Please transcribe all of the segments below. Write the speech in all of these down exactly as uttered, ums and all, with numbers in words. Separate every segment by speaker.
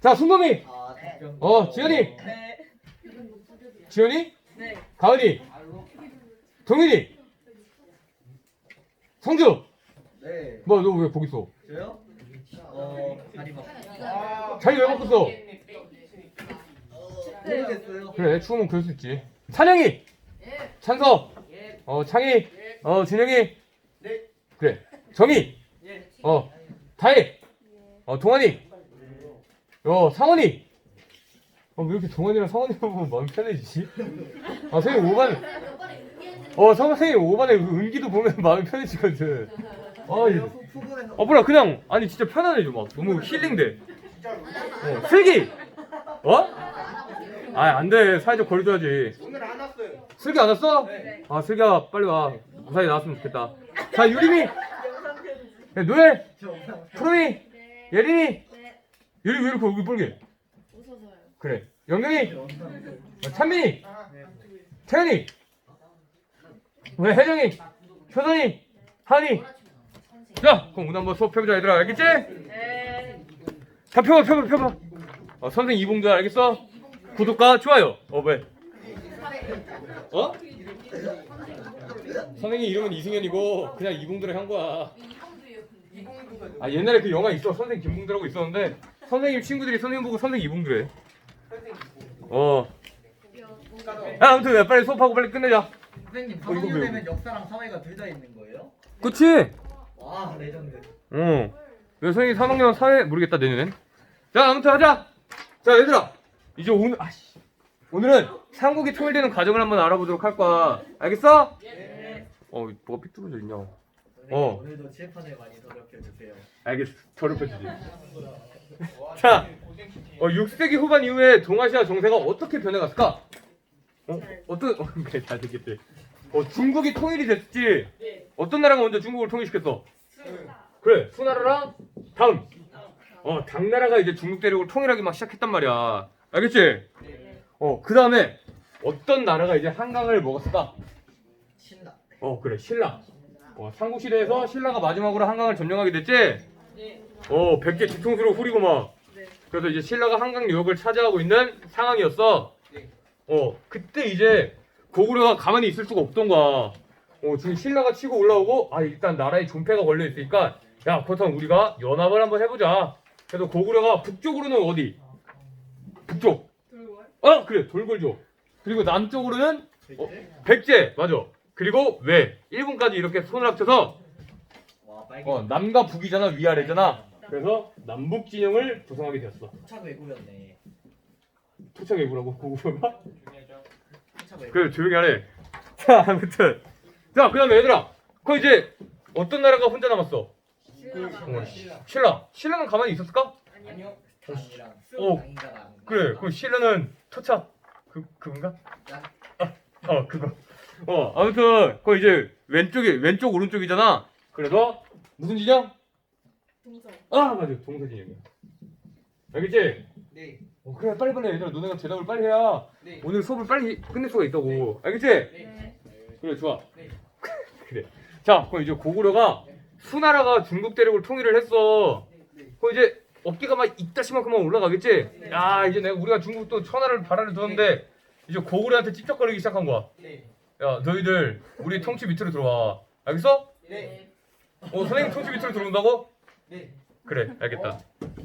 Speaker 1: 자, 순범이.
Speaker 2: 아, 답변.
Speaker 1: 어, 지현이.
Speaker 3: 네.
Speaker 1: 지현이.
Speaker 3: 네.
Speaker 1: 가은이. 동현이. 성주.
Speaker 2: 네.
Speaker 1: 뭐, 너 왜 거기 있어?
Speaker 2: 저요? 어, 다리 막.
Speaker 1: 자기 왜 바꿨어?
Speaker 2: 모르겠어요.
Speaker 1: 그래, 추우면 그럴 수 있지. 찬영이. 찬석. 어, 창희. 어, 준영이.
Speaker 2: 네.
Speaker 1: 그래. 정희. 어, 다혜. 어, 동환이. 어, 상원이. 어, 왜 이렇게 동환이랑 상원이 보면 마음 편해지지? 아, 선생님 오 반. 어, 선생님 오 반에 은기도 보면 마음이 편해지거든. 아, 이-
Speaker 2: 후보에서
Speaker 1: 어, 뭐라, 그냥, 아니, 진짜 편안해져, 막. 너무 힐링돼. 어, 슬기! 어? 아, 안 돼. 사회적 거리 둬야지.
Speaker 2: 오늘 안 왔어요.
Speaker 1: 슬기 안 왔어?
Speaker 2: 네.
Speaker 1: 아, 슬기야, 빨리 와. 무사히 나왔으면 좋겠다. 자, 유림이! 야, 노엘!
Speaker 2: 저 없나?
Speaker 1: 프로미! 예린이! 예린이 왜 이렇게 얼굴 빨개?
Speaker 3: 웃어서요.
Speaker 1: 그래. 영경이! 어, 찬민이! 태연이! 왜 혜정이! 효선이! 하은이! 자, 그럼 오늘 한번 수업 펴보자, 얘들아. 알겠지?
Speaker 3: 네.
Speaker 1: 다 펴봐, 펴봐, 펴봐. 어, 선생님 이봉도 알겠어? 구독과 좋아요. 어, 왜? 어? 선생님 이름은 이승현이고 그냥 이봉도를 한 거야. 아, 옛날에 그 영화 있어. 선생님 김봉도라고 있었는데 선생님 친구들이 선생님 보고 선생님 이봉도래. 어. 아, 아무튼 야, 빨리 수업하고 빨리 끝내자.
Speaker 2: 선생님,
Speaker 1: 어, 이거
Speaker 2: 삼 학년
Speaker 1: 왜-
Speaker 2: 되면 역사랑 사회가 둘 다 있는 거예요?
Speaker 1: 그치?
Speaker 2: 와, 레전드.
Speaker 1: 어. 왜 선생님 삼 학년 사회 모르겠다 내년엔. 자, 아무튼 하자. 자, 얘들아. 이제 오늘 아씨. 오늘은 삼국이 통일되는 과정을 한번 알아보도록 할 거야. 알겠어?
Speaker 3: 네.
Speaker 1: 어, 뭐가 삐뚤어져 있냐.
Speaker 2: 선생님,
Speaker 1: 어.
Speaker 2: 오늘도 칠판을 많이 더럽혀 주세요.
Speaker 1: 알겠어. 더럽혀주지. 자, 어, 육 세기 후반 이후에 동아시아 정세가 어떻게 변해갔을까? 어? 어떤, 어, 그래, 잘 됐겠지. 어, 중국이 통일이 됐지. 어떤 나라가 먼저 중국을 통일시켰어? 그래, 수나라랑 다음. 어, 당나라가 이제 중국 대륙을 통일하기 막 시작했단 말이야. 알겠지? 어, 그 다음에 어떤 나라가 이제 한강을 먹었을까?
Speaker 2: 신라.
Speaker 1: 어, 그래, 신라. 어, 삼국시대에서 신라가 마지막으로 한강을 점령하게 됐지? 어, 백 개 뒤통수로 후리고 막. 그래서 이제 신라가 한강 유역을 차지하고 있는 상황이었어. 어, 그때 이제 고구려가 가만히 있을 수가 없던 거야. 어, 지금 신라가 치고 올라오고, 아, 일단 나라에 존폐가 걸려 있으니까, 야, 그렇다면 우리가 연합을 한번 해보자. 그래서 고구려가 북쪽으로는 어디? 북쪽. 어, 그래, 돌골조. 그리고 남쪽으로는 어, 백제, 맞아. 그리고 외, 일본까지 이렇게 손을 합쳐서
Speaker 2: 와, 빨개.
Speaker 1: 어, 남과 북이잖아, 위아래잖아. 그래서 남북 진영을 조성하게 되었어.
Speaker 2: 토착 외고였네.
Speaker 1: 토착 외구라고 고구려가?
Speaker 2: 토착 외고.
Speaker 1: 그래, 조용히 하래. 자, 아무튼 자, 그다음에 얘들아, 그 이제 어떤 나라가 혼자 남았어? 어, 신라. 신라는 가만히 있었을까?
Speaker 2: 아니요. 당이랑
Speaker 1: 어.
Speaker 2: 당인가랑.
Speaker 1: 그래, 그럼 신라는 토착 그 그건가? 아, 어, 그거. 어, 아무튼 그 이제 왼쪽이 왼쪽 오른쪽이잖아. 그래서 무슨 진영?
Speaker 3: 동서.
Speaker 1: 아, 맞아, 동서 진영이야. 알겠지?
Speaker 2: 네.
Speaker 1: 어, 그래, 빨리 빨리 얘들아, 너네가 대답을 빨리 해야
Speaker 2: 네.
Speaker 1: 오늘 수업을 빨리 끝낼 수가 있다고. 알겠지?
Speaker 3: 네.
Speaker 1: 그래, 좋아.
Speaker 2: 네.
Speaker 1: 그래. 자, 그럼 이제 고구려가 수나라가 중국 대륙을 통일을 했어. 그럼 이제 어깨가 막 이따시만큼만 올라가겠지? 야, 이제 내가 우리가 중국 또 천하를 바라를 두었는데 이제 고구려한테 찝쩍거리기 시작한 거야.
Speaker 2: 네.
Speaker 1: 야, 너희들 우리 통치 밑으로 들어와. 알겠어?
Speaker 2: 네.
Speaker 1: 어, 선생님 통치 밑으로 들어온다고?
Speaker 2: 네.
Speaker 1: 그래, 알겠다.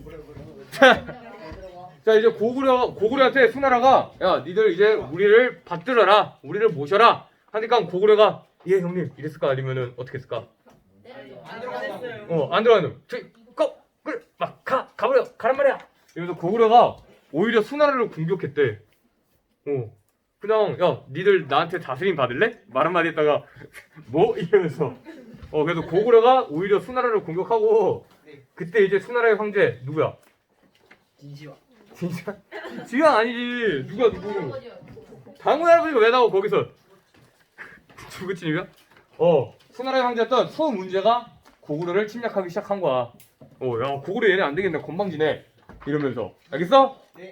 Speaker 1: 자, 이제 고구려 고구려한테 수나라가 야, 니들 이제 우리를 받들어라, 우리를 모셔라 하니까 고구려가 예 형님 이랬을까 아니면은 어떻게 했을까?
Speaker 2: 안 들어갔어요.
Speaker 1: 어, 안 들어가는. 저기 고 그래 막 가 가버려 가란 말이야. 이러면서 고구려가 오히려 수나라를 공격했대. 어, 그냥 야 니들 나한테 다스림 받을래? 말 한마디 했다가 뭐 이러면서 어 그래서 고구려가 오히려 수나라를 공격하고 그때 이제 수나라의 황제 누구야?
Speaker 2: 진시황.
Speaker 1: 진짜? 지가 아니지. 누가 누구? 당군 할아버지가 왜 나오고 거기서? 누구친이야? 어, 수나라의 황제였던 수문제가 고구려를 침략하기 시작한 거야. 어, 야 고구려 얘네 안 되겠네. 건방지네. 이러면서 알겠어?
Speaker 2: 네.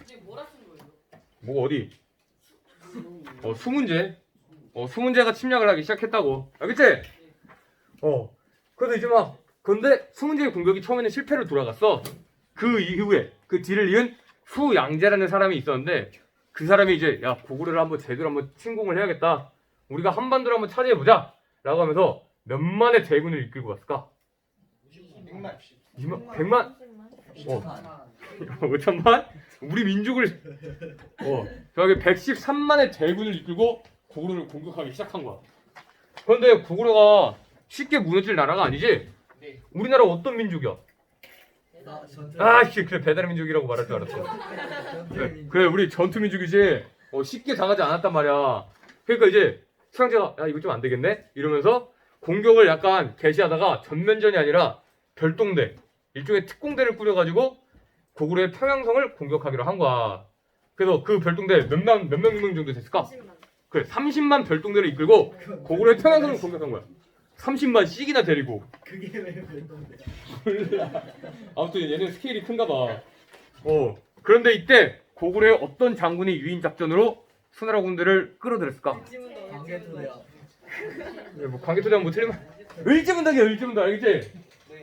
Speaker 1: 뭐가 어디? 어, 수문제. 어, 수문제가 침략을 하기 시작했다고. 알겠지? 어, 그래도 이제 막 근데 수문제의 공격이 처음에는 실패로 돌아갔어. 그 이후에 그 뒤를 이은 후양제라는 사람이 있었는데 그 사람이 이제 야 고구려를 한번 제대로 한번 침공을 해야겠다. 우리가 한반도를 한번 차지해보자 라고 하면서 몇만의 대군을 이끌고 갔을까?
Speaker 2: 백만.
Speaker 1: 이만, 백만?
Speaker 3: 오십만.
Speaker 1: 오천만? 우리 민족을 어 저기 백십삼만의 대군을 이끌고 고구려를 공격하기 시작한 거야. 그런데 고구려가 쉽게 무너질 나라가 아니지?
Speaker 2: 네.
Speaker 1: 우리나라 어떤 민족이야?
Speaker 2: 나 전투.
Speaker 1: 아씨 그래 배달 민족이라고 말할 줄 알았어.
Speaker 2: 전투
Speaker 1: 그래,
Speaker 2: 민족.
Speaker 1: 그래 우리 전투 민족이지. 어, 쉽게 당하지 않았단 말이야. 그러니까 이제 수양제가 야 이거 좀 안 되겠네 이러면서 공격을 약간 개시하다가 전면전이 아니라 별동대 일종의 특공대를 꾸려가지고 고구려의 평양성을 공격하기로 한 거야. 그래서 그 별동대 몇만 몇 명 정도 됐을까?
Speaker 3: 오십만.
Speaker 1: 그래 삼십만 별동대를 이끌고 고구려의 평양성을 공격한 거야. 삼십만 씩이나 데리고.
Speaker 2: 그게 왜 별동대?
Speaker 1: 아무튼 얘는 스케일이 큰가 봐. 어. 그런데 이때 고구려의 어떤 장군이 유인 작전으로 수나라 군대를 끌어들였을까?
Speaker 2: 광개토대야.
Speaker 1: 네, 뭐 광개토대는 뭐 틀리면 을지문덕이야 을지문덕 알겠지?
Speaker 2: 네.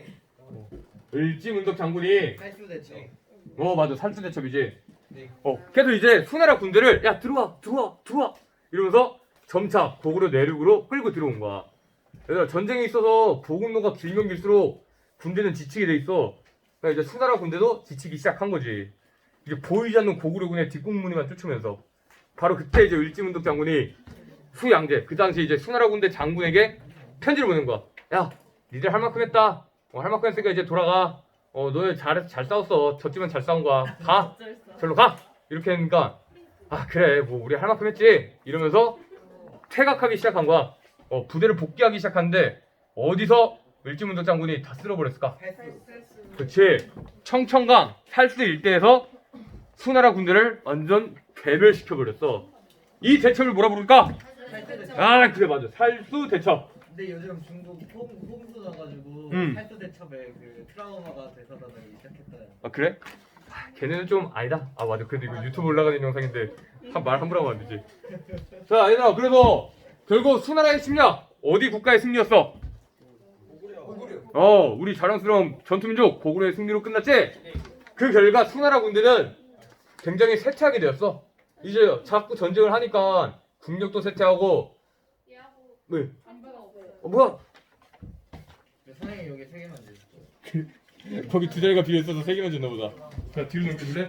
Speaker 1: 을지문덕 장군이
Speaker 2: 살수대죠.
Speaker 1: 어 맞아 살수대첩이지.
Speaker 2: 네.
Speaker 1: 어 그래서 이제 수나라 군대를 야 들어와 들어와 들어와 이러면서 점차 고구려 내륙으로 끌고 들어온 거야. 그래서 전쟁에 있어서 보급로가 길면 길수록 군대는 지치게 돼 있어. 그러니까 이제 수나라 군대도 지치기 시작한 거지. 이제 보이지 않는 고구려군의 뒷공무니만 쫓으면서 바로 그때 이제 을지문덕 장군이 후양제 그 당시 이제 수나라 군대 장군에게 편지를 보낸 거야. 야 니들 할 만큼 했다. 어, 할 만큼 했으니까 이제 돌아가. 어 너네 잘해서 잘 싸웠어. 졌지만 잘 싸운 거야. 가. 절로 가. 이렇게 하니까 아 그래 뭐 우리 할 만큼 했지 이러면서 퇴각하기 시작한 거야. 어 부대를 복귀하기 시작하는데 어디서 을지문덕 장군이 다 쓸어버렸을까?
Speaker 2: 살수.
Speaker 1: 그치 청천강 살수 일대에서 수나라 군대를 완전 괴멸시켜버렸어. 이 대첩을 뭐라 부를까?
Speaker 2: 살수대첩.
Speaker 1: 아 그래 맞아 살수 대첩.
Speaker 2: 근데 요즘 중국 홍 홍수 나가지고
Speaker 1: 음.
Speaker 2: 살수대첩에 그 트라우마가 되살아나기 시작했다.
Speaker 1: 아 그래? 아, 걔네는 좀 아니다. 아 맞아 그래도 이거 유튜브 올라가는 영상인데 한 말 함부로 하면 안 되지. 자 얘들아 그래서 결국 수나라의 침략 어디 국가의 승리였어?
Speaker 2: 고구려.
Speaker 1: 어 우리 자랑스러운 전투민족 고구려의 승리로 끝났지? 그 결과 수나라 군대는 굉장히 쇠퇴하게 되었어. 이제 자꾸 전쟁을 하니까 국력도 쇠퇴하고 왜? 어 뭐야?
Speaker 2: 선생님 여기 세 개만 주세요.
Speaker 1: 거기 두 자리가 비어있어서 세 개만 줬나 보다. 자 뒤로 넘겨줄래?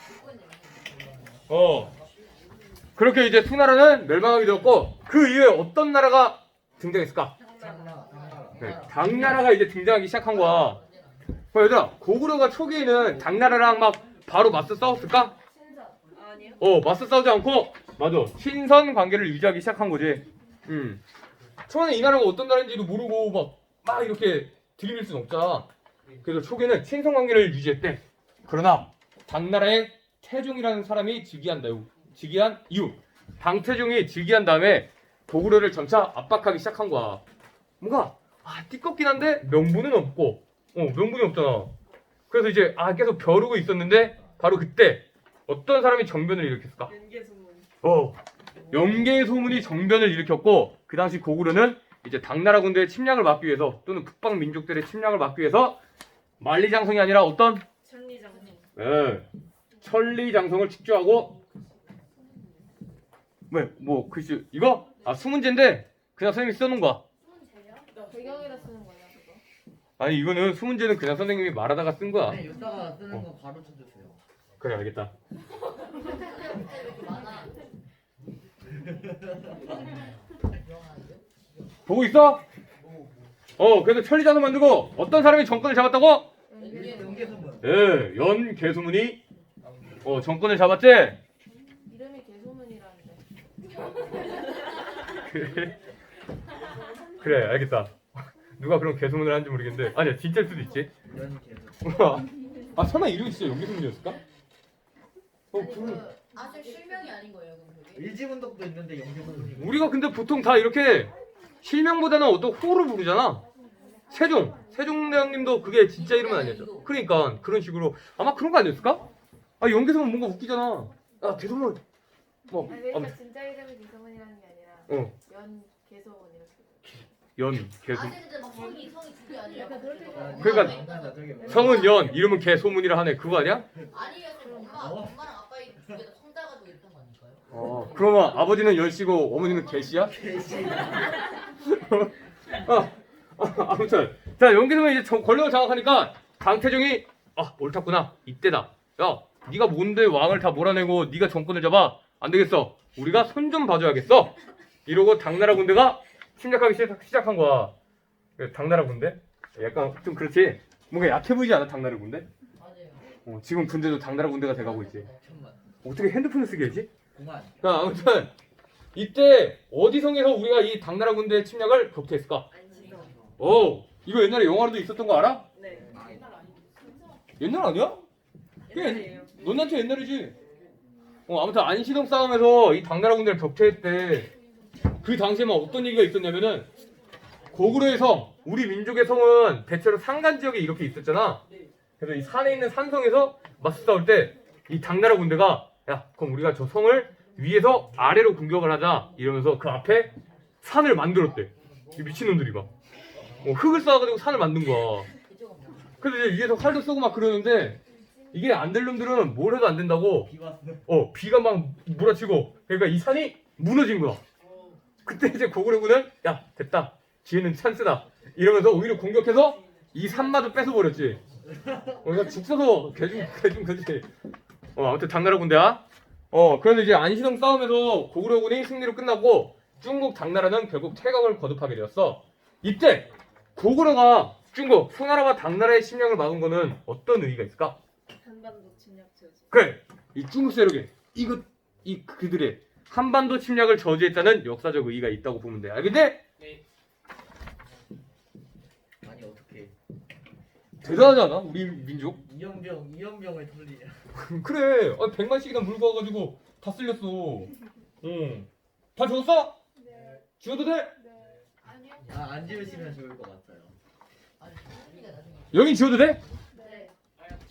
Speaker 1: 어 그렇게 이제 수나라는 멸망하게 되었고 그 이후에 어떤 나라가 등장했을까?
Speaker 2: 장나. 장나라.
Speaker 1: 네, 당나라가 이제 등장하기 시작한 거야. 어, 얘들아 고구려가 초기에는 당나라랑 막 바로 맞서 싸웠을까?
Speaker 3: 아니요.
Speaker 1: 어 맞서 싸우지 않고 맞아 신선 관계를 유지하기 시작한 거지. 음 처음에 이 나라가 어떤 나라인지도 모르고 막 막 이렇게 들이밀 수는 없잖아. 그래서 초기에는 친선 관계를 유지했대. 그러나 당나라의 태종이라는 사람이 즉위한 이후 즉위한 이후 당태종이 즉위한 다음에 고구려를 점차 압박하기 시작한 거야. 뭔가 아 띠껍긴 한데 명분은 없고 어 명분이 없잖아. 그래서 이제 아 계속 벼르고 있었는데 바로 그때 어떤 사람이 정변을 일으켰을까?
Speaker 3: 연계 소문.
Speaker 1: 어 영계 소문이 정변을 일으켰고 그 당시 고구려는 이제 당나라 군대의 침략을 막기 위해서 또는 북방 민족들의 침략을 막기 위해서 만리장성이 아니라 어떤
Speaker 3: 천리장성.
Speaker 1: 예, 천리장성을 축조하고 왜 뭐 글씨 이거 아 수문제인데 그냥 선생님이 써놓은 거야.
Speaker 3: 배경에다 쓰는 거예요, 그거?
Speaker 1: 아니 이거는 수문제는 그냥 선생님이 말하다가 쓴 거야.
Speaker 2: 네, 이따가 쓰는 거 바로 쳐주세요.
Speaker 1: 그래 알겠다. 보고 있어? 어 그래서 천리장성 만들고 어떤 사람이 정권을 잡았다고?
Speaker 3: 연계.
Speaker 2: 연계소문.
Speaker 1: 예, 연개소문이 어 정권을 잡았지?
Speaker 3: 이름이 개소문이라는데.
Speaker 1: 그래 그래 알겠다. 누가 그런 개소문을 하는지 모르겠는데 아니야 진짜일 수도 있지.
Speaker 2: 연계소문.
Speaker 1: 아 설마 이름이 진짜 연개소문이었을까? 어
Speaker 4: 아니
Speaker 1: 그
Speaker 4: 그 아직 실명이 아닌 거예요 그럼 그게?
Speaker 2: 일지분덕도 있는데 연계소문이.
Speaker 1: 우리가 근데 보통 다 이렇게 실명보다는 어떤 호를 부르잖아. 세종 세종대왕님도 그게 진짜 이름은 아니었죠. 그러니까 그런 식으로 아마 그런 거 아니었을까? 아 연개소문 뭔가 웃기잖아. 아 개소문 뭐
Speaker 3: 아니, 그러니까
Speaker 1: 아무튼
Speaker 3: 진짜 이름이 개소문이라는 게 아니라
Speaker 1: 어
Speaker 3: 연 개소문 이렇게.
Speaker 1: 연 개소.
Speaker 4: 아재 근데 막 성이 성이 두 개 아니에요?
Speaker 3: 약간 그럴 때가
Speaker 4: 엄마가
Speaker 1: 그러니까
Speaker 4: 왜?
Speaker 2: 장난아 저게 뭐야?
Speaker 1: 성은 연, 이름은 개 소문이라 하네. 그거 아니야?
Speaker 4: 아니에요. 저 엄마
Speaker 2: 어?
Speaker 4: 엄마랑 아빠 두개다 성자가지고 이랬던 거 아닐까요?
Speaker 1: 어. 그러면 아버지는 열씨고 어머니는 개씨야?
Speaker 2: 개씨.
Speaker 1: 아, 아, 아무튼 자 여기서 이제 정- 권력을 장악하니까 강태종이 아 옳았구나 이때다. 야 네가 뭔데 왕을 다 몰아내고 네가 정권을 잡아? 안 되겠어. 우리가 손 좀 봐줘야겠어. 이러고 당나라 군대가 침략하기 시작, 시작한 거야. 그 당나라 군대? 약간 좀 그렇지. 뭔가 약해 보이지 않아 당나라 군대?
Speaker 4: 맞아요.
Speaker 1: 어, 지금 군대도 당나라 군대가 돼가고 있지.
Speaker 2: 천만.
Speaker 1: 어떻게 핸드폰을 쓰게 하지?
Speaker 2: 공안.
Speaker 1: 자 아무튼 이때 어디성에서 우리가 이 당나라 군대의 침략을 격퇴했을까?
Speaker 3: 안시성.
Speaker 1: 오 이거 옛날에 영화로도 있었던 거 알아?
Speaker 3: 네.
Speaker 1: 옛날 아니야?
Speaker 3: 옛날이에요.
Speaker 1: 논란체 옛날이지. 어 아무튼 안시동 싸움에서 이 당나라 군대를 격퇴했대. 그 당시에 막 어떤 얘기가 있었냐면은 고구려의 성, 우리 민족의 성은 대체로 산간 지역에 이렇게 있었잖아. 그래서 이 산에 있는 산성에서 맞서 싸울 때 이 당나라 군대가 야 그럼 우리가 저 성을 위에서 아래로 공격을 하자 이러면서 그 앞에 산을 만들었대. 이 미친놈들이 막 어, 흙을 쌓아가지고 산을 만든 거야. 그래서 이제 위에서 활도 쏘고 막 그러는데 이게 안 될 놈들은 뭘 해도 안 된다고
Speaker 2: 비 왔어.
Speaker 1: 어 비가 막 몰아치고 그러니까 이 산이 무너진 거야. 그때 이제 고구려군은 야 됐다 기회는 찬스다 이러면서 오히려 공격해서 이 산마저 뺏어버렸지. 어, 그러니까 죽 써서 개중 개중 그지. 어 아무튼 당나라 군대야. 어 그래서 이제 안시동 싸움에서 고구려군이 승리로 끝나고 중국 당나라는 결국 퇴각을 거듭하게 되었어. 이때 고구려가 중국 소나라와 당나라의 침략을 막은 거는 어떤 의의가 있을까?
Speaker 3: 한반도 침략 저지.
Speaker 1: 그래 이 중국 세력이 이거 이 그들의 한반도 침략을 저지했다는 역사적 의의가 있다고 보면 돼. 알겠지?
Speaker 2: 아니 어떻게?
Speaker 1: 대단하지 않아? 우리 민족?
Speaker 2: 이연병 이연병을 돌리냐?
Speaker 1: 그래 아, 백만씩이나 물고 와가지고 다 쓸렸어. 응. 다 죽었어?
Speaker 3: 네.
Speaker 1: 죽어도 돼?
Speaker 3: 네. 아니요.
Speaker 2: 아안 지우시면 좋을 것 같아요.
Speaker 4: 아니 소리가 나중에.
Speaker 1: 여긴 지워도 돼?
Speaker 3: 네.
Speaker 2: 안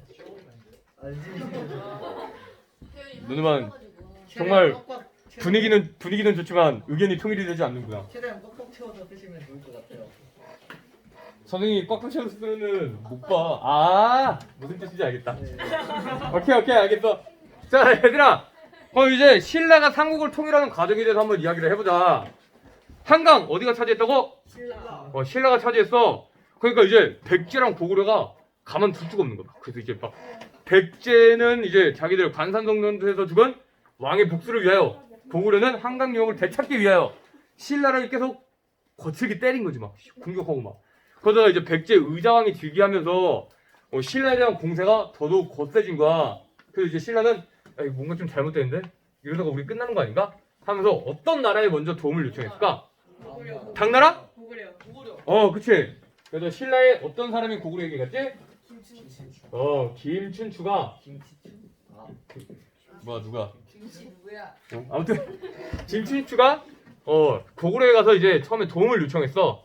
Speaker 2: 지우시면 좋을
Speaker 1: 누누만
Speaker 2: 것
Speaker 1: 정말
Speaker 2: 꽉꽉 채워-
Speaker 1: 분위기는 분위기는 좋지만 의견이 통일이 되지 않는구나.
Speaker 2: 최대한 꽉꽉 채워서 쓰시면 좋을 것 같아요.
Speaker 1: 선생님이 꽉꽉 채워서 쓰면은 못 봐. 아 무슨 뜻인지 알겠다.
Speaker 2: 네.
Speaker 1: 오케이 오케이 알겠어. 자 얘들아 그럼 이제 신라가 삼국을 통일하는 과정에 대해서 한번 이야기를 해보자. 한강 어디가 차지했다고?
Speaker 3: 신라.
Speaker 1: 어 신라가 차지했어. 그러니까 이제 백제랑 고구려가 가만 둘 수가 없는 거야. 그래서 이제 막 백제는 이제 자기들 관산동전에서 죽은 왕의 복수를 위하여, 고구려는 한강 유역을 되찾기 위하여 신라를 계속 거칠게 때린 거지. 막 공격하고 막. 그러다가 이제 백제 의자왕이 즉위하면서 어, 신라에 대한 공세가 더더욱 거세진 거야. 그래서 이제 신라는 야, 이거 뭔가 좀 잘못되는데 이러다가 우리 끝나는 거 아닌가? 하면서 어떤 나라에 먼저 도움을 요청했을까?
Speaker 3: 고구려.
Speaker 1: 당나라?
Speaker 3: 고구려. 고구려.
Speaker 1: 어 그치. 그래서 신라에 어떤 사람이 고구려에게 갔지?
Speaker 3: 김춘추.
Speaker 1: 어 김춘추가
Speaker 2: 김치추. 아
Speaker 1: 뭐야 누가?
Speaker 4: 김치 누구야?
Speaker 1: 어, 아무튼 김춘추가 어 고구려에 가서 이제 처음에 도움을 요청했어.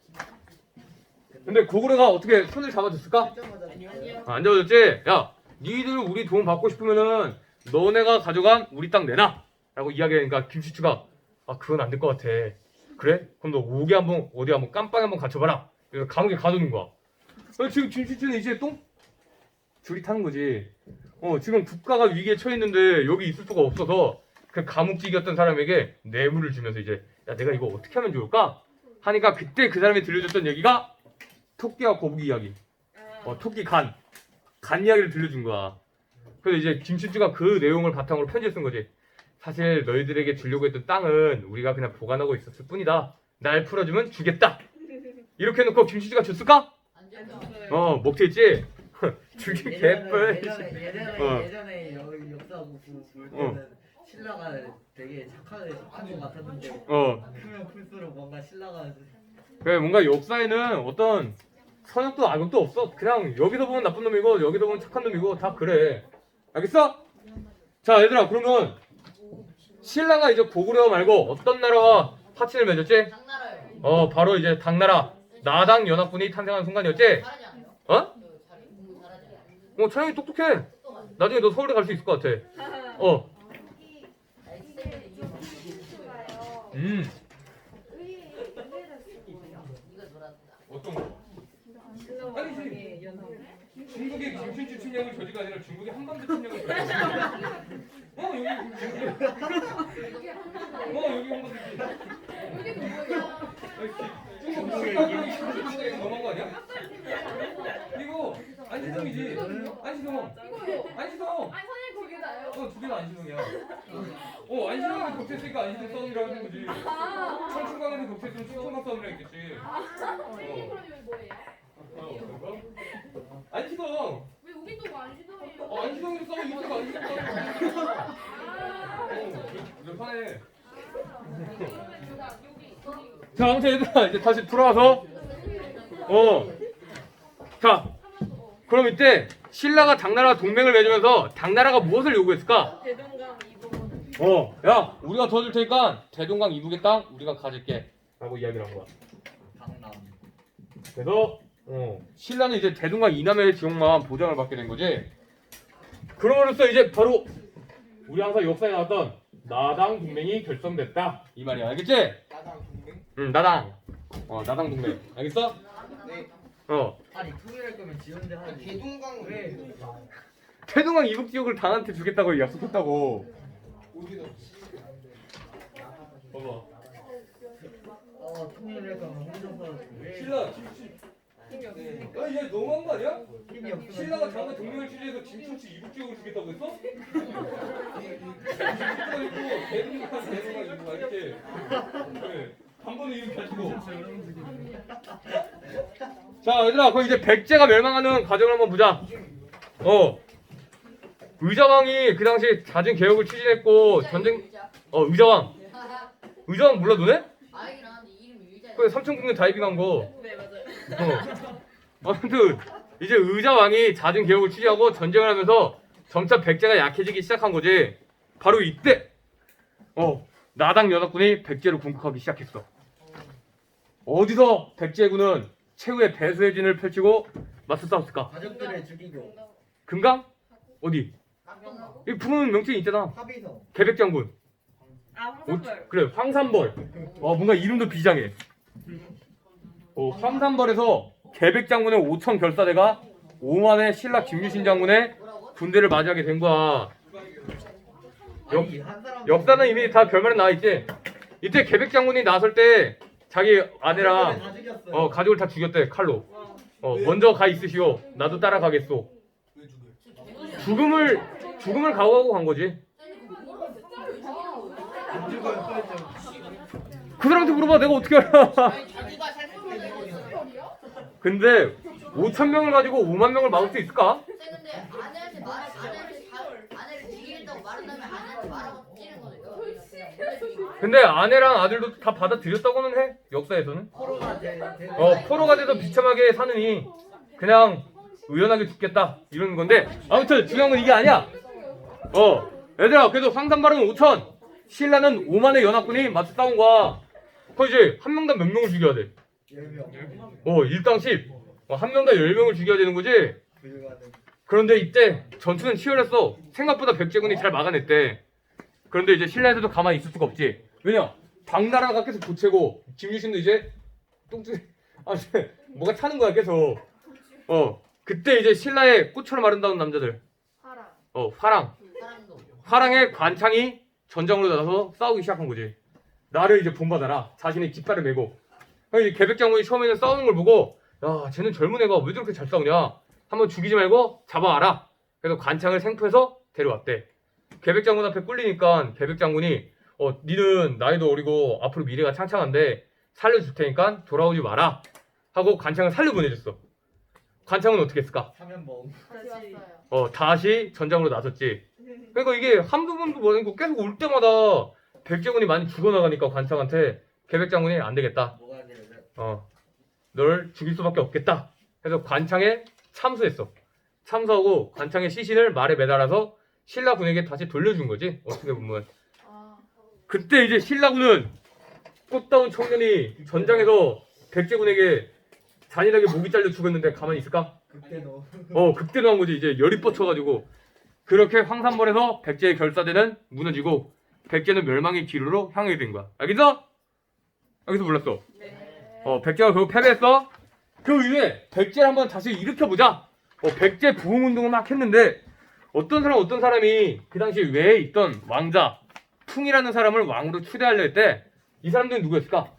Speaker 1: 근데 고구려가 어떻게 손을 잡아줬을까?
Speaker 2: 아니요.
Speaker 1: 아, 안 잡아줬지? 야 니들 우리 도움 받고 싶으면은 너네가 가져간 우리 땅 내놔 라고 이야기하니까 김춘추가 아 그건 안 될 것 같아. 그래? 그럼 너 옥에 한번 어디 한번 깜빵에 한번 갇혀봐라. 그래서 감옥에 가두는 거야. 어, 지금 김춘추는 이제 똥 줄이 타는 거지. 어 지금 국가가 위기에 처했는데 여기 있을 수가 없어서 그 감옥직이었던 사람에게 뇌물을 주면서 이제 야 내가 이거 어떻게 하면 좋을까? 하니까 그때 그 사람이 들려줬던 얘기가 토끼와 거북이 이야기.
Speaker 3: 아.
Speaker 1: 어 토끼 간. 간 이야기를 들려준 거야. 그래서 이제 김춘추가 그 내용을 바탕으로 편지를 쓴 거지. 사실 너희들에게 주려고 했던 땅은 우리가 그냥 보관하고 있었을 뿐이다. 날 풀어주면 주겠다. 이렇게 해놓고 김춘추가 줬을까?
Speaker 4: 안
Speaker 3: 안
Speaker 4: 줬어.
Speaker 3: 줬어요.
Speaker 1: 어 먹튀했지? 주기
Speaker 2: 예전에-
Speaker 1: 개뿔.
Speaker 2: 예전에 예전에
Speaker 1: 어.
Speaker 2: 예전에 여- 역사 공부 볼
Speaker 1: 어.
Speaker 2: 때는 신라가 되게 착하게 착한 것 같았는데
Speaker 1: 어
Speaker 2: 크면 클수록 뭔가 신라가
Speaker 1: 그래 뭔가 역사에는 어떤 선역도 악역도 없어. 그냥 여기서 보면 나쁜 놈이고 여기서 보면 착한 놈이고 다 그래. 알겠어? 자 얘들아 그러면 신라가 이제 고구려 말고 어떤 나라와 파친을 맺었지?
Speaker 4: 당나라요.
Speaker 1: 어 바로 이제 당나라 나당 연합군이 탄생한 순간이었지?
Speaker 4: 잘하지 않아요?
Speaker 1: 어?
Speaker 4: 그 잘해 공부 잘하지 않아요?
Speaker 1: 어 차영이 똑똑해.
Speaker 4: 똑똑하지.
Speaker 1: 나중에 너 서울대 갈 수 있을 것 같아. 어.
Speaker 4: 엑셀에 이거
Speaker 3: 김춘추가요.
Speaker 1: 음.
Speaker 3: 의외 의외였습니다.
Speaker 1: 어떤 거?
Speaker 3: 신라왕의 연합.
Speaker 1: 중국의 김춘추 침략을 저지가 아니라 중국의 한반도 침략을 저지가. 어 여기 어 여기 한반도지.
Speaker 3: 여기는 뭐예요?
Speaker 1: 중국의 중국에 너무한 거 아니야? 이거 안시성이지. 안시성.
Speaker 3: 이거요.
Speaker 1: 안시성.
Speaker 3: 아니 선생님 거기다요.
Speaker 1: 어 두 개는 안시성이야. 어 안시성이 격퇴했으니까 안시성 싸움이라고 하는 거지.
Speaker 3: 아.
Speaker 1: 청춘강에서 격퇴했으면 충청강 싸움이라 했겠지.
Speaker 3: 선생님 그럼 여기 뭐예요?
Speaker 1: 어 그런가? 안시성.
Speaker 3: 왜 여기도 안시성이에요?
Speaker 1: 어 안시성이도 싸워 이쪽도 안시성 싸워. 어 몇 판에. 자 아무튼 얘들아 이제 다시 돌아와서 어 자 그럼 이때 신라가 당나라와 동맹을 맺으면서 당나라가 무엇을 요구했을까?
Speaker 3: 대동강 이북.
Speaker 1: 어 야 우리가 도와줄 테니까 대동강 이북의 땅 우리가 가질게 라고 이야기를 한 거야.
Speaker 2: 강남.
Speaker 1: 그래서 어 신라는 이제 대동강 이남의 지역만 보장을 받게 된 거지. 그럼으로써 이제 바로 우리 항상 역사에 나왔던 나당 동맹이 결성됐다 이 말이야. 알겠지?
Speaker 2: 나당 동맹?
Speaker 1: 응 나당 어 나당 동맹 알겠어?
Speaker 2: 네.
Speaker 1: 어
Speaker 2: 아니 통일할 거면 지원대 하지.
Speaker 5: 대동강
Speaker 2: 왜?
Speaker 1: 태동강 이북 지역을 당한테 주겠다고 약속했다고. 봐봐.
Speaker 2: 어 통일할 거면 혼자서 왜?
Speaker 1: 신라 김치. 야, 얘 너무한 거 아니야?
Speaker 2: 힘이 없으면
Speaker 1: 신라가 당한 동맹을 취재해서 김천치 이북 지역을 주겠다고 했어? 김치가 있고 대동강 대동강 이북 알겠지? 그래. 한 번에 이렇게 가지고. 자 얘들아 그럼 이제 백제가 멸망하는 과정을 한번 보자. 어 의자왕이 그 당시 잦은 개혁을 추진했고 전쟁 어 의자왕 의자왕 몰라 너네?
Speaker 4: 아이긴 하는데 이름이 의자야.
Speaker 1: 그 삼천국녀 다이빙한 거.
Speaker 3: 네 맞아요.
Speaker 1: 어 아무튼 이제 의자왕이 잦은 개혁을 추진하고 전쟁을 하면서 점차 백제가 약해지기 시작한 거지. 바로 이때 어 나당 연합군이 백제를 공격하기 시작했어. 어디서 백제군은 최후의 배수의 진을 펼치고 맞서 싸웠을까?
Speaker 2: 가족들을 죽이고
Speaker 1: 금강? 어디? 이 부르는 명칭이 있잖아.
Speaker 2: 합의서.
Speaker 1: 개백장군.
Speaker 3: 아
Speaker 1: 오,
Speaker 3: 황산벌.
Speaker 1: 그래 황산벌. 어 뭔가 이름도 비장해. 어 황산벌에서 개백장군의 오천 결사대가 오만의 신라 김유신 장군의
Speaker 4: 뭐라고?
Speaker 1: 군대를 맞이하게 된 거야. 역,
Speaker 2: 아니, 한 사람
Speaker 1: 역사는 이미 다 결말에 나와 있지. 이때 개백장군이 나설 때 자기 아내랑
Speaker 2: 다 죽였어요.
Speaker 1: 어 가족을 다 죽였대 칼로. 어 먼저 가 있으시오. 나도 따라가겠소. 죽음을 죽음을 각오하고 간 거지.
Speaker 2: 안 죽어요. 빨리 좀.
Speaker 1: 그 사람한테 물어봐. 내가 어떻게 알아?
Speaker 4: 자기가 살
Speaker 1: 근데 오천 명을 가지고 오만 명을 막을 수 있을까?
Speaker 4: 근데 아내한테 말 아내한테 다 아내를 죽이겠다고 말한다면 아내한테 말하고 찌는 거니까.
Speaker 1: 근데 아내랑 아들도 다 받아들였다고는 해. 역사에서는.
Speaker 2: 포로가 돼. 돼-
Speaker 1: 어 포로가 돼서 비참하게 사느니 그냥 의연하게 죽겠다 이러는 건데 아무튼 중요한 건 이게 아니야. 어 얘들아 그래도 황산발은 오천 신라는 오만의 연합군이 맞서 싸운 거야. 그 이제 한 명당 몇 명을 죽여야 돼?
Speaker 2: 열 명.
Speaker 1: 어 일당 십. 어, 한 명당 열 명을 죽여야 되는 거지.
Speaker 2: 불가능.
Speaker 1: 그런데 이때 전투는 치열했어. 생각보다 백제군이 잘 막아냈대. 그런데 이제 신라에서도 가만히 있을 수가 없지. 왜냐? 당나라가 계속 보채고 김유신도 이제 똥줄 아 이제 뭐가 차는 거야 계속. 어 그때 이제 신라의 꽃처럼 아름다운 남자들.
Speaker 3: 하라.
Speaker 1: 어 화랑.
Speaker 4: 사람도.
Speaker 1: 화랑의 관창이 전장으로 나서서 싸우기 시작한 거지. 나를 이제 본받아라. 자신의 깃발을 메고. 그래서 이제 개백장군이 처음에는 싸우는 걸 보고 야 쟤는 젊은 애가 왜 저렇게 잘 싸우냐. 한번 죽이지 말고 잡아와라. 그래서 관창을 생포해서 데려왔대. 개백장군 앞에 꿀리니까 개백장군이 어 니는 나이도 어리고 앞으로 미래가 창창한데 살려줄 테니까 돌아오지 마라 하고 관창을 살려보내줬어. 관창은 어떻게 했을까?
Speaker 2: 사면봉.
Speaker 3: 다시 왔어요.
Speaker 1: 어 다시 전장으로 나섰지. 그러니까 이게 한두 번도 아니고 계속 올 때마다 백제군이 많이 죽어나가니까 관창한테 개백장군이 안 되겠다.
Speaker 2: 뭐가 돼요?
Speaker 1: 어 널 죽일 수밖에 없겠다. 그래서 관창에 참수했어. 참수하고 관창의 시신을 말에 매달아서 신라군에게 다시 돌려준 거지. 어떻게 보면.
Speaker 3: 아
Speaker 1: 그때 이제 신라군은 꽃다운 청년이 전장에서 백제군에게 잔인하게 목이 잘려 죽었는데 가만히 있을까?
Speaker 2: 그때도.
Speaker 1: 어 극대노한 거지. 이제 열이 뻗쳐가지고 그렇게 황산벌에서 백제의 결사대는 무너지고 백제는 멸망의 기로로 향하게 된 거야. 알겠어? 알겠어 몰랐어?
Speaker 3: 네.
Speaker 1: 어 백제가 결국 패배했어. 그 이후에 백제를 한번 다시 일으켜보자. 어, 백제 부흥운동을 막 했는데 어떤 사람 어떤 사람이 그 당시 외에 있던 왕자 퉁이라는 사람을 왕으로 추대하려 했대. 이 사람들은 누구였을까?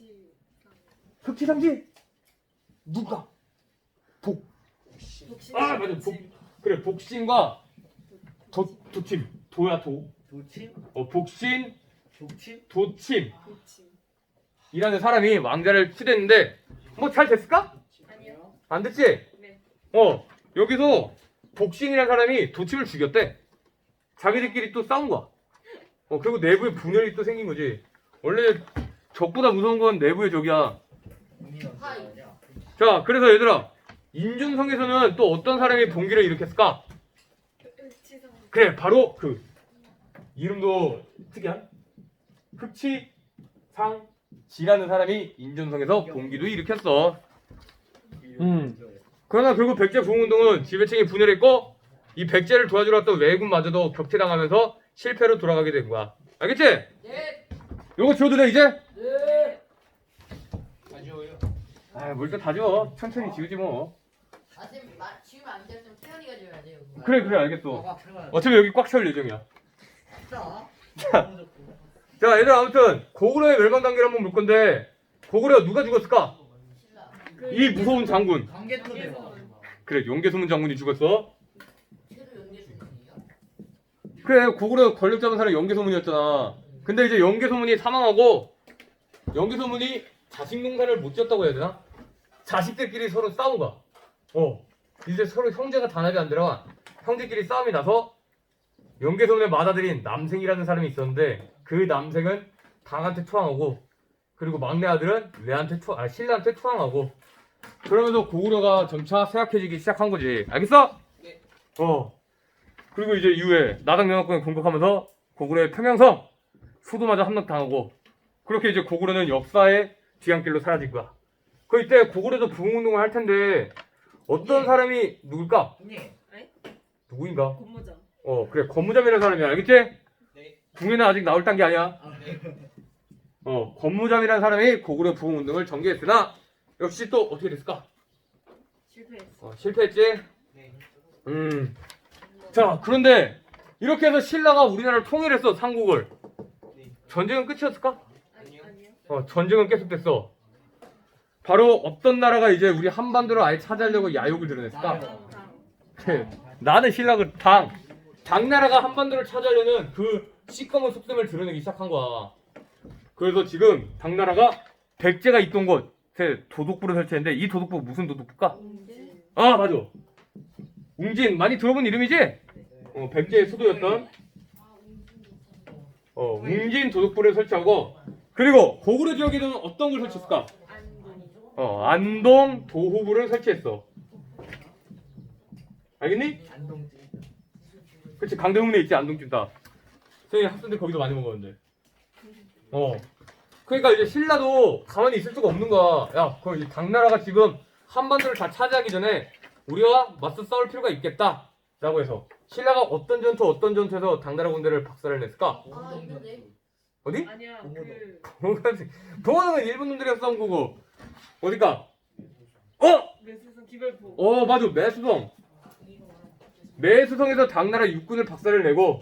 Speaker 1: 흑치상지? 누가? 복. 아 맞아. 복. 그래 복신과 도 도침. 도야 도.
Speaker 2: 도침?
Speaker 1: 어 복신
Speaker 2: 도침?
Speaker 1: 도침. 이라는 사람이 왕자를 추대했는데 뭐 잘 됐을까?
Speaker 3: 아니요.
Speaker 1: 안 됐지?
Speaker 3: 네.
Speaker 1: 어 여기서 복신이라는 사람이 도침을 죽였대. 자기들끼리 또 싸운 거야. 어 그리고 내부에 분열이 또 생긴 거지. 원래 적보다 무서운 건 내부의 적이야.
Speaker 4: 하이.
Speaker 1: 자 그래서 얘들아 인준성에서는 또 어떤 사람이 봉기를 일으켰을까? 그래 바로 그 이름도 특이한 흑치상지라는 사람이 인준성에서 봉기도 일으켰어. 음. 그러나 결국 백제 부흥운동은 지배층이 분열했고 이 백제를 도와주러 왔던 왜군마저도 격퇴당하면서 실패로 돌아가게 된 거야. 알겠지?
Speaker 4: 네.
Speaker 1: 요거 지워도 돼 이제?
Speaker 4: 네.
Speaker 2: 다 지워요.
Speaker 1: 아, 뭘 또 다 지워. 천천히 지우지 뭐.
Speaker 4: 아, 쌤, 마, 지우면 안 돼. 좀 태연이가 지워야 돼요.
Speaker 1: 그래 그래 알겠어.
Speaker 2: 꽉 채워야
Speaker 1: 어차피 여기 꽉 채울 예정이야.
Speaker 2: 자.
Speaker 1: 자 얘들아 아무튼 고구려의 멸망 단계를 한번 볼 건데 고구려 누가 죽었을까?
Speaker 4: 신라.
Speaker 1: 이 무서운 장군.
Speaker 2: 관계토 대왕.
Speaker 1: 그래 용계소문 장군이 죽었어.
Speaker 4: 최도 연계수문이요?
Speaker 1: 그래 고구려 권력 잡은 사람이 용계소문이었잖아. 근데 이제 용계소문이 사망하고 용계소문이 자식 농사를 못 지었다고 해야 되나? 자식들끼리 서로 싸운 거야. 어 이제 서로 형제가 단합이 안 되라 형제끼리 싸움이 나서 용계소문의 맏아들인 남생이라는 사람이 있었는데 그 남생은 당한테 투항하고 그리고 막내 아들은 레한테 투, 아 신라한테 투항하고 그러면서 고구려가 점차 쇠약해지기 시작한 거지. 알겠어?
Speaker 2: 네.
Speaker 1: 어. 그리고 이제 이후에 나당명합군이 공격하면서 고구려의 평양성 수도마저 함락당하고 그렇게 이제 고구려는 역사의 뒤안길로 사라진 거야. 그 이때 고구려도 부흥운동을 할 텐데 어떤
Speaker 2: 예.
Speaker 1: 사람이 누굴까?
Speaker 2: 형님.
Speaker 1: 누구인가?
Speaker 3: 고무장.
Speaker 1: 어 그래 권무잠이라는 사람이야. 알겠지?
Speaker 2: 네.
Speaker 1: 궁에는 아직 나올 단계 아니야.
Speaker 2: 아, 네.
Speaker 1: 어 권무잠이라는 사람이 고구려 부흥운동을 전개했으나 역시 또 어떻게 됐을까?
Speaker 3: 실패했어.
Speaker 1: 어, 실패했지?
Speaker 2: 네.
Speaker 1: 음. 자, 그런데 이렇게 해서 신라가 우리나라를 통일했어, 삼국을.
Speaker 2: 네.
Speaker 1: 전쟁은 끝이었을까?
Speaker 3: 아니, 아니요.
Speaker 1: 어, 전쟁은 계속됐어. 바로 어떤 나라가 이제 우리 한반도를 아예 차지하려고 야욕을 드러냈을까?
Speaker 2: 나요.
Speaker 3: 당.
Speaker 1: 나는 신라가 당. 당나라가 한반도를 차지하려는 그 시꺼먼 속셈을 드러내기 시작한 거야. 그래서 지금 당나라가 백제가 있던 곳에 도독부를 설치했는데 이 도독부 무슨 도독부일까?
Speaker 3: 웅진.
Speaker 1: 아, 맞아. 웅진 많이 들어본 이름이지? 어, 백제의 수도였던 어, 웅진 도독부를 설치하고 그리고 고구려 지역에는 어떤 걸 설치했을까?
Speaker 3: 안동.
Speaker 1: 어, 안동 도호부를 설치했어. 알겠니?
Speaker 2: 안동지.
Speaker 1: 그치 강대문에 있지 안동집 다. 선생님 학생들 거기도 많이 먹었는데. 어. 그러니까 이제 신라도 가만히 있을 수가 없는 거야. 야, 그럼 이 당나라가 지금 한반도를 다 차지하기 전에 우리가 맞서 싸울 필요가 있겠다. 라고 해서 신라가 어떤 전투 어떤 전투에서 당나라 군대를 박살을 냈을까?
Speaker 4: 아, 있는데.
Speaker 1: 어디?
Speaker 3: 아니야.
Speaker 2: 고무도.
Speaker 3: 그
Speaker 1: 동원은 일본 놈들이랑 싸운 거고. 어디까? 어!
Speaker 3: 매수성 기별포.
Speaker 1: 어 맞아 매수성. 매수성에서 당나라 육군을 박살을 내고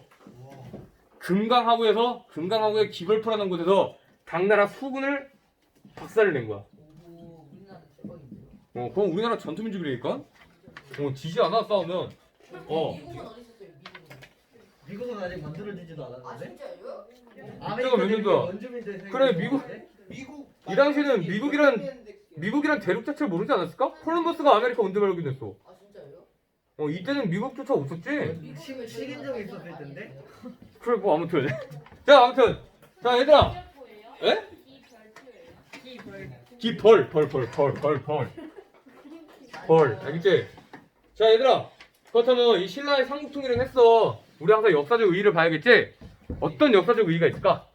Speaker 1: 금강하구에서 금강하구의 기벌포라는 곳에서 당나라 수군을 박살을 낸 거야.
Speaker 4: 오, 우리나라 대박인데요.
Speaker 1: 어 그럼 우리나라 전투민족이라니까? 어 지지 않아 싸우면. 어.
Speaker 4: 미국은 어디 있었어요? 미국은.
Speaker 2: 미국은 아직 만들어지지도
Speaker 4: 아,
Speaker 2: 않았는데.
Speaker 4: 진짜요?
Speaker 1: 그때가 몇 년도야?
Speaker 2: 원주민들 생각이
Speaker 1: 그래, 미국-
Speaker 2: 있는데?
Speaker 5: 미국
Speaker 1: 이 당시에는 미국이란 미국이란 대륙 자체를 모르지 않았을까? 콜럼버스가 아메리카 온대 발견했어.
Speaker 4: 아, 진짜요?
Speaker 1: 어 이때는 미국조차 없었지.
Speaker 2: 시- 식인종이 있었을 텐데.
Speaker 1: 그래 뭐 아무튼. 자 아무튼 자 얘들아. 에?
Speaker 3: 기별.
Speaker 1: 기벌 벌 벌 벌 벌 벌. 벌 알겠지? 자 얘들아 그렇다면 이 신라의 삼국통일을 했어. 우리 항상 역사적 의의를 봐야겠지? 어떤 역사적 의의가 있을까?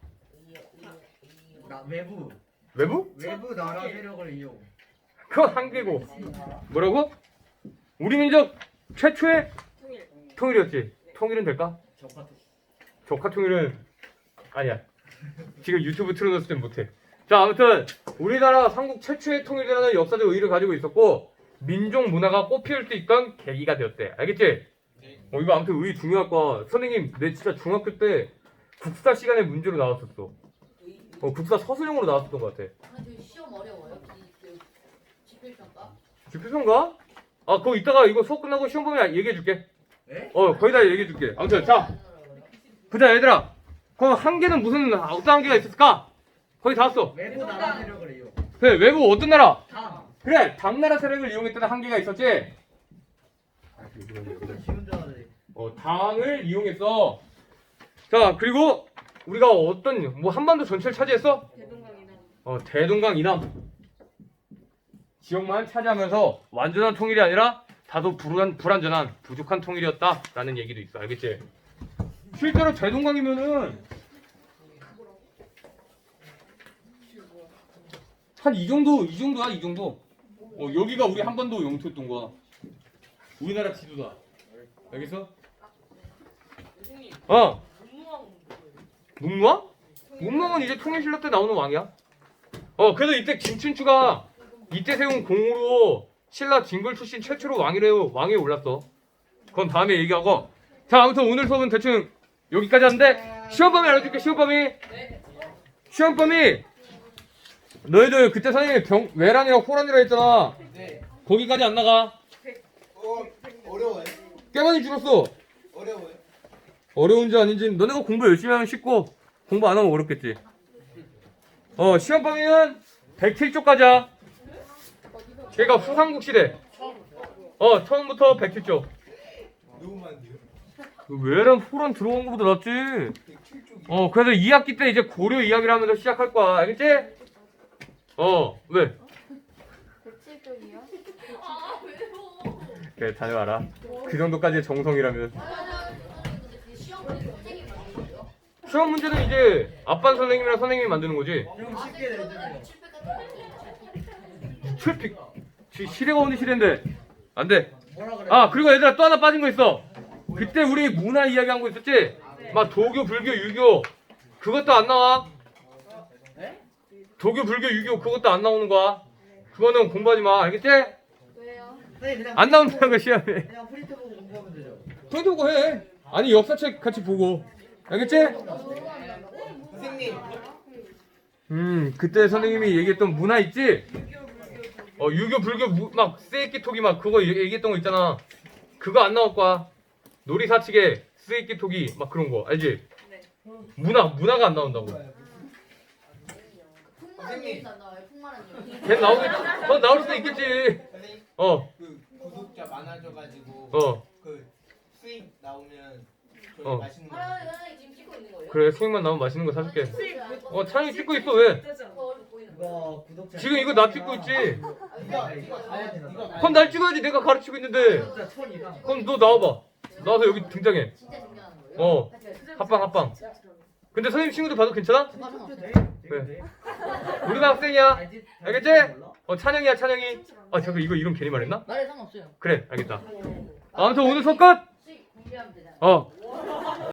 Speaker 2: 나 외부.
Speaker 1: 외부?
Speaker 2: 외부 나라 세력을 이용.
Speaker 1: 그건 한계고. 뭐라고? 우리 민족 최초의
Speaker 3: 통일.
Speaker 1: 통일이었지. 통일은 될까?
Speaker 2: 적화.
Speaker 1: 조카 통일은 아니야. 지금 유튜브 틀어놨을 땐 못해. 자 아무튼 우리나라 삼국 최초의 통일이라는 역사적 의의를 가지고 있었고 민족 문화가 꽃피울 수 있던 계기가 되었대. 알겠지? 어 이거 아무튼 의의 중요할 거야. 선생님 내 진짜 중학교 때 국사 시간에 문제로 나왔었어. 어 국사 서술형으로 나왔었던 것 같아.
Speaker 4: 근데 저 시험 어려워요? 그 지필평가?
Speaker 1: 지표선가? 아 그거 이따가 이거 수업 끝나고 시험 보면 얘기해줄게.
Speaker 2: 네?
Speaker 1: 어 거의 다 얘기해줄게. 아무튼 자 보자 얘들아. 그럼 한계는 무슨 어떤 한계가 있었을까? 거의 다 왔어.
Speaker 2: 외부 나라 세력을 이용.
Speaker 1: 그래 외국 어떤 나라?
Speaker 2: 당.
Speaker 1: 그래 당나라 세력을 이용했다는 한계가 있었지.
Speaker 2: 쉬운 줄 알았지.
Speaker 1: 어 당을 이용했어. 자 그리고 우리가 어떤 뭐 한반도 전체를 차지했어?
Speaker 3: 대동강이나
Speaker 1: 어 대동강 이남 지역만 차지하면서 완전한 통일이 아니라 다소 불안, 불안전한 부족한 통일이었다라는 얘기도 있어. 알겠지? 실제로 대동강이면은 한 이 정도 이 정도야 이 정도. 어 여기가 우리 한반도 영토였던 거야. 우리나라 지도다. 알겠어?
Speaker 3: 선생님
Speaker 1: 어
Speaker 3: 문무왕은 뭐예요?
Speaker 1: 문무왕? 문무왕은 이제 통일신라 때 나오는 왕이야. 어 그래도 이때 김춘추가 이때 세운 공으로 신라 진골 출신 최초로 왕이래요 왕에 올랐어. 그건 다음에 얘기하고. 자 아무튼 오늘 수업은 대충 여기까지 하는데 시험 범위 알려줄게. 시험 범위. 시험 범위. 너희들 그때 선생님이 병 외란이랑 호란이라 했잖아.
Speaker 5: 네.
Speaker 1: 거기까지 안 나가.
Speaker 5: 어, 어려워요?
Speaker 1: 꽤 많이 줄었어.
Speaker 5: 어려워요?
Speaker 1: 어려운지 아닌지 너네가 공부 열심히 하면 쉽고 공부 안 하면 어렵겠지. 어 시험 범위는 백칠 조까지야. 걔가 후삼국 시대. 어 처음부터 백칠 조.
Speaker 5: 누구만 돼요?
Speaker 1: 외란 호란 들어온 것보다 낫지.
Speaker 5: 백칠 쪽이.
Speaker 1: 어 그래서 이 학기 때 이제 고려 이야기를 하면서 시작할 거야. 알겠지? 어 왜?
Speaker 6: 백칠 쪽이요?
Speaker 4: 아 왜요?
Speaker 1: 그래 다녀와라. 그 정도까지의 정성이라면.
Speaker 4: 근데 그 시험 문제 선생님이 만든 거예요?
Speaker 1: 시험 문제는 이제 아빠 선생님이랑 선생님이 만드는 거지.
Speaker 2: 좀 쉽게 내주세요.
Speaker 4: 칠백 같은 거
Speaker 1: 칠픽. 지 시대가 어느 시대인데 안 돼.
Speaker 2: 뭐라 그래?
Speaker 1: 아 그리고 얘들아 또 하나 빠진 거 있어. 그때 우리 문화 이야기 한 거 있었지? 막 도교, 불교, 유교 그것도 안 나와.
Speaker 2: 네?
Speaker 1: 도교, 불교, 유교 그것도 안 나오는 거야. 그거는 공부하지 마. 알겠지?
Speaker 6: 왜요?
Speaker 2: 선생님 그냥
Speaker 1: 안 나온다는 거 시험에.
Speaker 2: 그냥 프린트 보고 공부하면 되죠.
Speaker 1: 포인트 보고 해. 아니 역사책 같이 보고. 알겠지?
Speaker 5: 선생님,
Speaker 1: 음 그때 선생님이 얘기했던 문화 있지? 어 유교, 불교 무, 막 쓰이끼토기 막 그거 얘- 얘기했던 거 있잖아. 그거 안 나올 거야. 놀이사치계 쓰이끼토기 막 그런 거 알지? 문화 문화가 안 나온다고.
Speaker 4: 풍만한 얘기도 안 나와요. 풍만한 얘기.
Speaker 1: 걔 나오겠지? 어 나올 수도 있겠지.
Speaker 5: 선생님
Speaker 1: 어
Speaker 5: 그 구독자 많아져가지고
Speaker 1: 어.
Speaker 5: 그 수익 나오면 저희
Speaker 1: 어.
Speaker 5: 맛있는 거.
Speaker 4: 아 선생님 지금 찍고 있는 거예요?
Speaker 1: 그래 수익만 나오면 맛있는 거 사줄게.
Speaker 4: 어
Speaker 1: 어 찬이 찍고 있어 왜?
Speaker 3: 뜨지 않아?
Speaker 4: 저 얼굴 보이는 거.
Speaker 2: 이거 구독자.
Speaker 1: 지금 이거 나 찍고 있지?
Speaker 5: 이거 이거 가야 돼. 이거 가야
Speaker 1: 그럼 날 찍어야지. 내가 가르치고 있는데.
Speaker 2: 구독자 천 이상.
Speaker 1: 그럼 너 나와봐. 나와서 여기 등장해.
Speaker 4: 진짜 중요한 거예요?
Speaker 1: 어.
Speaker 4: 같이 가요.
Speaker 1: 합방 합방. 근데 선생님 친구들 봐도 괜찮아?
Speaker 2: 구독자 돼?
Speaker 1: 네.
Speaker 2: 돼?
Speaker 1: 우리가 학생이야.
Speaker 2: 알지?
Speaker 1: 알겠지?
Speaker 2: 몰라?
Speaker 1: 어 찬영이야 찬영이. 아 잠깐 이거 이름 괜히 말했나?
Speaker 4: 말에 상관없어요.
Speaker 1: 그래 알겠다. 아무튼 오늘 수업 끝.
Speaker 4: 수익 공개하면 되잖아요.
Speaker 1: 어.